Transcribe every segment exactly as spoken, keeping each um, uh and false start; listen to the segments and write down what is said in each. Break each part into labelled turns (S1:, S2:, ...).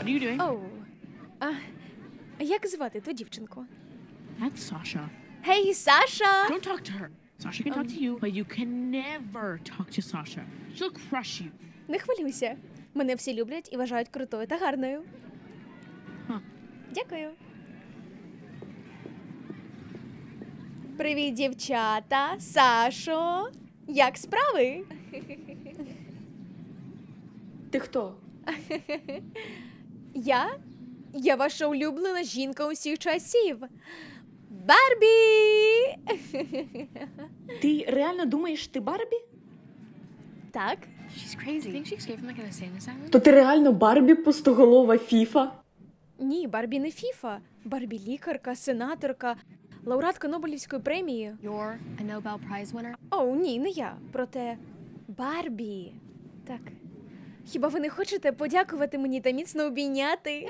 S1: are you doing?
S2: Оу. А, як звати ту дівчинку?
S1: That's Sasha.
S2: Гей, Саша!
S1: Don't talk to her. Sasha can talk to you, but you can never talk to Sasha. She'll crush you.
S2: Не хвилюйся. Мене всі люблять і вважають крутою та гарною.
S1: Huh.
S2: Дякую. Привіт, дівчата! Сашо! Як справи?
S3: Ти хто?
S2: Я? Я ваша улюблена жінка усіх часів. Барбі!
S3: Ти реально думаєш, ти Барбі?
S2: Так.
S4: She's crazy. Think she escaped from like an insane asylum?
S3: То ти реально Барбі пустоголова фіфа?
S2: Ні, Барбі не Фіфа. Барбі лікарка, сенаторка, лауреатка Нобелівської премії.
S4: You're a Nobel Prize winner?
S2: О, ні, не я. Проте Барбі. Так. Хіба ви не хочете подякувати мені та міцно обійняти?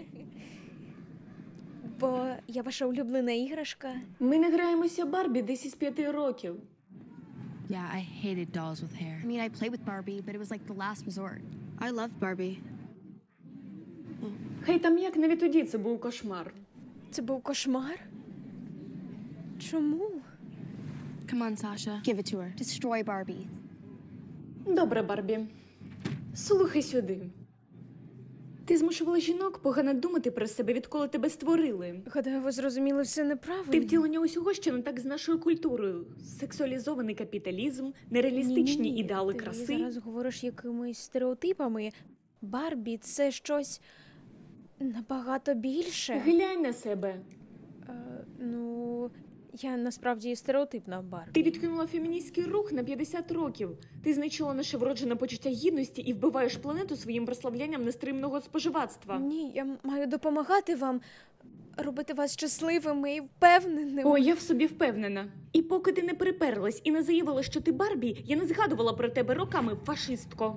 S2: Бо я ваша улюблена іграшка.
S3: Ми не граємося Барбі десь із п'яти років.
S5: Yeah, I hated dolls with hair.
S4: I mean, I played with Barbie, but it was like the last resort.
S5: I loved Barbie.
S3: Хай там як, навіть тоді це був кошмар.
S2: Це був кошмар? Чому?
S5: Come on, Sasha.
S4: Give it to her. Destroy Barbie.
S3: Добре, Барбі. Слухай сюди. Ти змушувала жінок погано думати про себе, відколи тебе створили.
S2: Гадаю, ви зрозуміли все неправильно.
S3: Ти втілення усього, що не так з нашою культурою. Сексуалізований капіталізм, нереалістичні
S2: Ні-ні-ні,
S3: ідеали
S2: ти
S3: краси.
S2: зараз говориш якимись стереотипами. Барбі – це щось набагато більше.
S3: Глянь на себе.
S2: Е, ну, я насправді стереотипна Барбі.
S3: Ти відкинула феміністський рух на п'ятдесят років. Ти знищила наше вроджене почуття гідності і вбиваєш планету своїм прославлянням нестримного споживацтва.
S2: Ні, я маю допомагати вам, робити вас щасливими і впевненими.
S3: О, я в собі впевнена. І поки ти не приперлась і не заявила, що ти Барбі, я не згадувала про тебе роками, фашистко.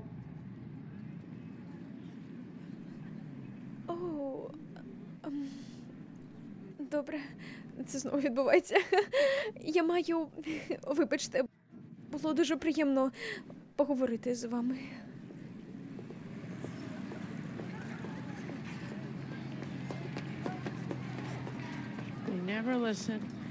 S2: О, ем, добре, це знову відбувається. Я маю, вибачте, було дуже приємно поговорити з вами.
S1: They never listen.